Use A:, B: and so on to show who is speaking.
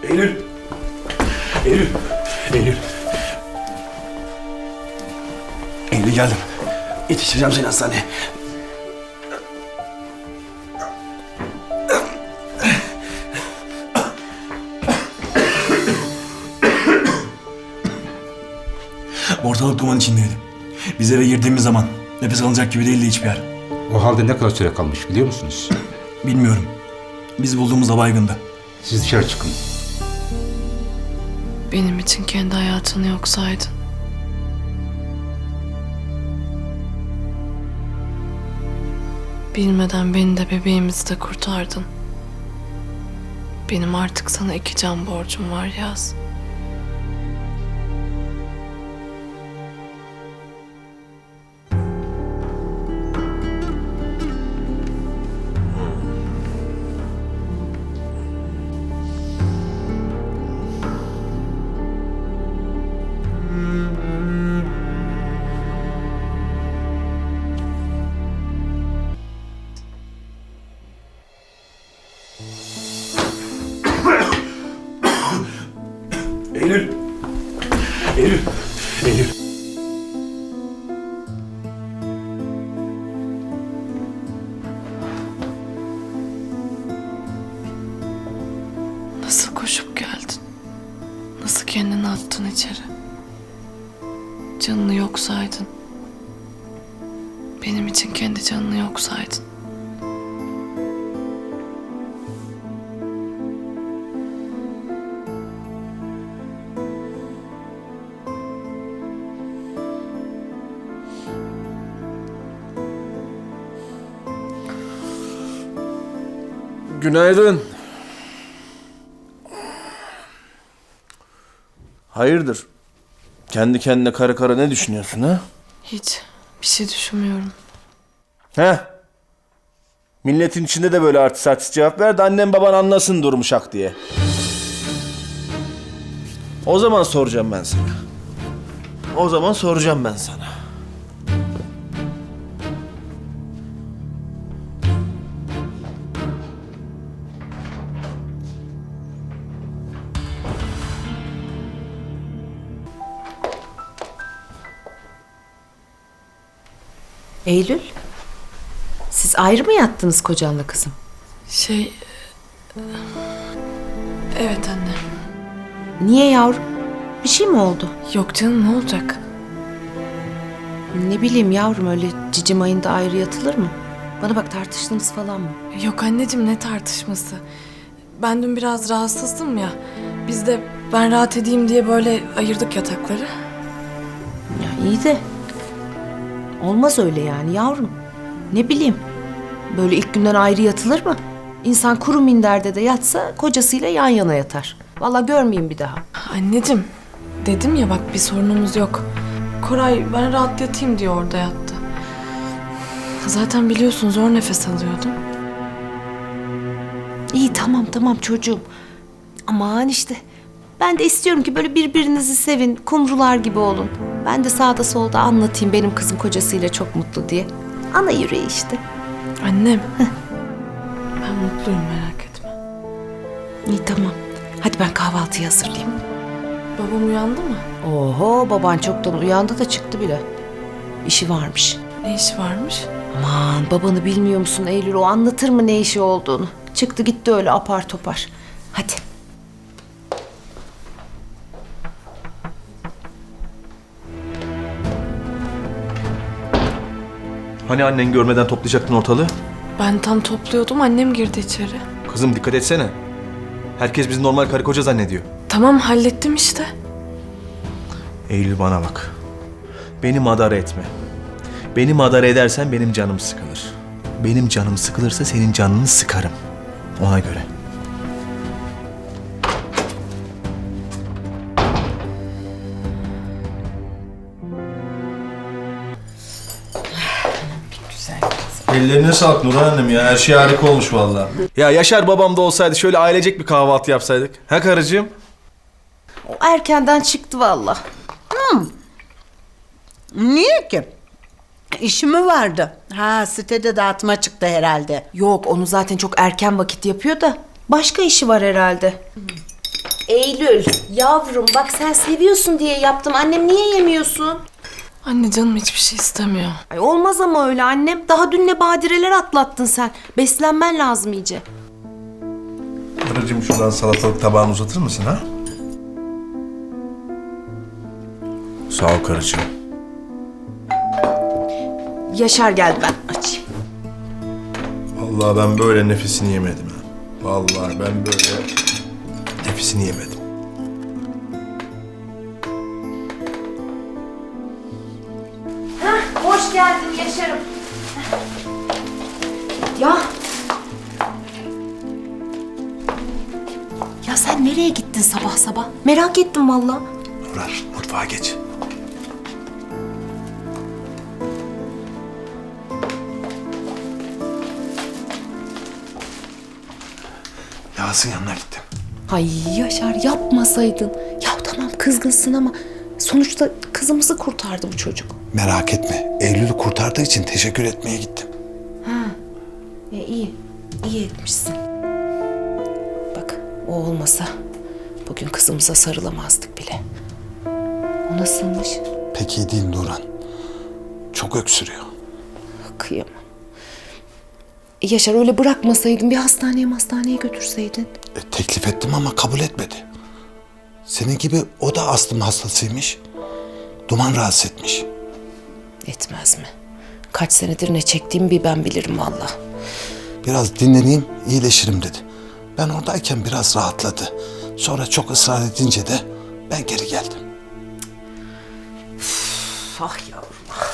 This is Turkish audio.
A: Eylül. Eylül. Eylül. Eylül geldim. Yetiştireceğim seni hastaneye. Ortalık duman içindeydi. Biz eve girdiğimiz zaman nefes alınacak gibi değildi hiçbir yer.
B: O halde ne kadar süre kalmış biliyor musunuz?
A: Bilmiyorum. Biz bulduğumuzda baygındı.
B: Siz dışarı çıkın.
C: Benim için kendi hayatını yok saydın. Bilmeden beni de bebeğimizi de kurtardın. Benim artık sana 2 can borcum var Yaz.
A: Eylül. Eylül. Eylül.
C: Nasıl koşup geldin? Nasıl kendini attın içeri? Canını yok saydın. Benim için kendi canını yok saydın.
D: Günaydın. Hayırdır? Kendi kendine kara kara ne düşünüyorsun ha?
C: Hiç bir şey düşünmüyorum.
D: He? Milletin içinde de böyle artist artist cevap ver de annem baban anlasın durumu şak diye. O zaman soracağım ben sana. O zaman soracağım ben sana.
E: Eylül, siz ayrı mı yattınız kocanla kızım?
C: Evet anne.
E: Niye yavrum? Bir şey mi oldu?
C: Yok canım ne olacak?
E: Ne bileyim yavrum, öyle cicim ayında ayrı yatılır mı? Bana bak, tartıştınız falan mı?
C: Yok anneciğim ne tartışması? Ben dün biraz rahatsızdım ya. Biz de ben rahat edeyim diye böyle ayırdık yatakları.
E: Ya iyi de olmaz öyle yani yavrum. Ne bileyim, böyle ilk günden ayrı yatılır mı? İnsan kuru minderde de yatsa kocasıyla yan yana yatar. Vallahi görmeyeyim bir daha.
C: Anneciğim dedim ya bak bir sorunumuz yok. Koray ben rahat yatayım diye orada yattı. Zaten biliyorsun zor nefes alıyordum.
E: İyi tamam çocuğum. Aman işte. Ben de istiyorum ki böyle birbirinizi sevin, kumrular gibi olun. Ben de sağda solda anlatayım benim kızım kocasıyla çok mutlu diye. Ana yüreği işte.
C: Annem. Ben mutluyum merak etme.
E: İyi tamam. Hadi ben kahvaltıyı hazırlayayım.
C: Babam uyandı mı?
E: Oho, baban çoktan uyandı da çıktı bile. İşi varmış.
C: Ne işi varmış?
E: Aman, babanı bilmiyor musun Eylül? O anlatır mı ne işi olduğunu? Çıktı gitti öyle apar topar. Hadi.
D: Hani annen görmeden toplayacaktın ortalığı?
C: Ben tam topluyordum annem girdi içeri.
D: Kızım dikkat etsene. Herkes bizi normal karı koca zannediyor.
C: Tamam hallettim işte.
D: Eylül bana bak. Beni madara etme. Beni madara edersen benim canım sıkılır. Benim canım sıkılırsa senin canını sıkarım. Ona göre. Ellerine sağlık Nurhan annem ya. Her şey harika olmuş vallahi. Ya Yaşar babam da olsaydı şöyle ailecek bir kahvaltı yapsaydık. Ha karıcığım?
E: O erkenden çıktı vallahi.
F: Niye ki? İşi mi vardı? Ha, sitede dağıtma çıktı herhalde.
E: Yok, onu zaten çok erken vakit yapıyor da başka işi var herhalde. Eylül, yavrum bak sen seviyorsun diye yaptım. Annem niye yemiyorsun?
C: Anne canım hiçbir şey istemiyor.
E: Ay olmaz ama öyle annem. Daha dün ne badireler atlattın sen. Beslenmen lazım iyice.
D: Karıcığım şuradan salatalık tabağını uzatır mısın ha? Sağ ol karıcığım.
E: Yaşar geldi, ben açayım.
D: Vallahi ben böyle nefesini yemedim ha. Vallahi ben böyle nefesini yemedim.
E: Hoş geldin Yaşar'ım. Ya. Ya sen nereye gittin sabah sabah? Merak ettim valla.
D: Nurhan mutfağa geç. Yağız'ın yanına gittim.
E: Ay Yaşar yapmasaydın. Ya tamam kızgınsın ama sonuçta kızımızı kurtardı bu çocuk.
G: Merak etme. Eylül'ü kurtardığı için teşekkür etmeye gittim.
E: İyi, iyi etmişsin. Bak o olmasa bugün kızımıza sarılamazdık bile. O nasılmış?
G: Pek iyi değil Nurhan. Çok öksürüyor.
E: Kıyamam. Yaşar öyle bırakmasaydın bir hastaneye götürseydin.
G: Teklif ettim ama kabul etmedi. Senin gibi o da astım hastasıymış. Duman rahatsız etmiş.
E: Etmez mi? Kaç senedir ne çektiğimi bir ben bilirim valla.
G: Biraz dinleneyim, iyileşirim dedi. Ben oradayken biraz rahatladı. Sonra çok ısrar edince de ben geri geldim.
E: Ah yavrum.